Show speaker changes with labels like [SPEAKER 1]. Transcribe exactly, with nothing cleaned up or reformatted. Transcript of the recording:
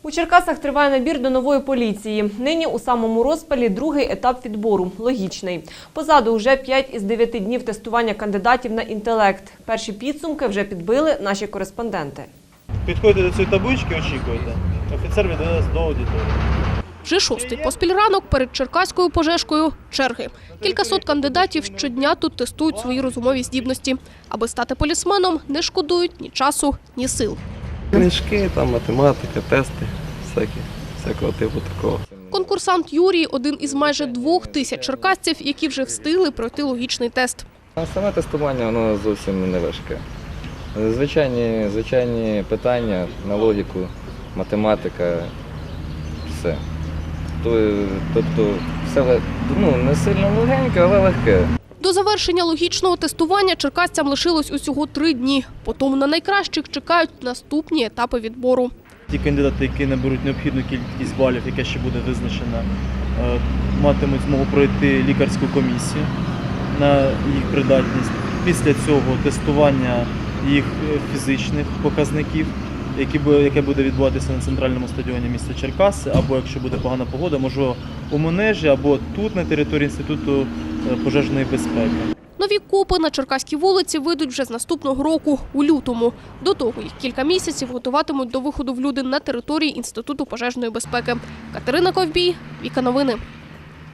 [SPEAKER 1] У Черкасах триває набір до нової поліції. Нині у самому розпалі другий етап відбору – логічний. Позаду вже п'ять із дев'яти днів тестування кандидатів на інтелект. Перші підсумки вже підбили наші кореспонденти.
[SPEAKER 2] Підходьте до цієї таблички, очікуйте. Офіцер відведе нас до аудиторії.
[SPEAKER 3] Вже шостий поспіль ранок перед черкаською пожежкою – черги. Кількасот кандидатів щодня тут тестують свої розумові здібності. Аби стати полісменом, не шкодують ні часу, ні сил.
[SPEAKER 4] Книжки, там математика, тести, всякі, всякого типу такого.
[SPEAKER 3] Конкурсант Юрій – один із майже двох тисяч черкасців, які вже встигли пройти логічний тест.
[SPEAKER 4] А саме тестування воно зовсім не важке. Звичайні, звичайні питання на логіку, математика, все. Тобто все ну, не сильно легеньке, але легке.
[SPEAKER 3] До завершення логічного тестування черкасцям лишилось усього три дні. Потім на найкращих чекають наступні етапи відбору.
[SPEAKER 2] Ті кандидати, які наберуть необхідну кількість балів, яка ще буде визначена, матимуть змогу пройти лікарську комісію на їх придатність. Після цього тестування їх фізичних показників, яке буде відбуватися на центральному стадіоні міста Черкаси, або якщо буде погана погода, можливо, у Манежі, або тут на території Інституту пожежної безпеки.
[SPEAKER 3] Нові КОПи на черкаській вулиці вийдуть вже з наступного року, у лютому. До того їх кілька місяців готуватимуть до виходу в люди на території Інституту пожежної безпеки. Катерина Ковбій, Віка Новини.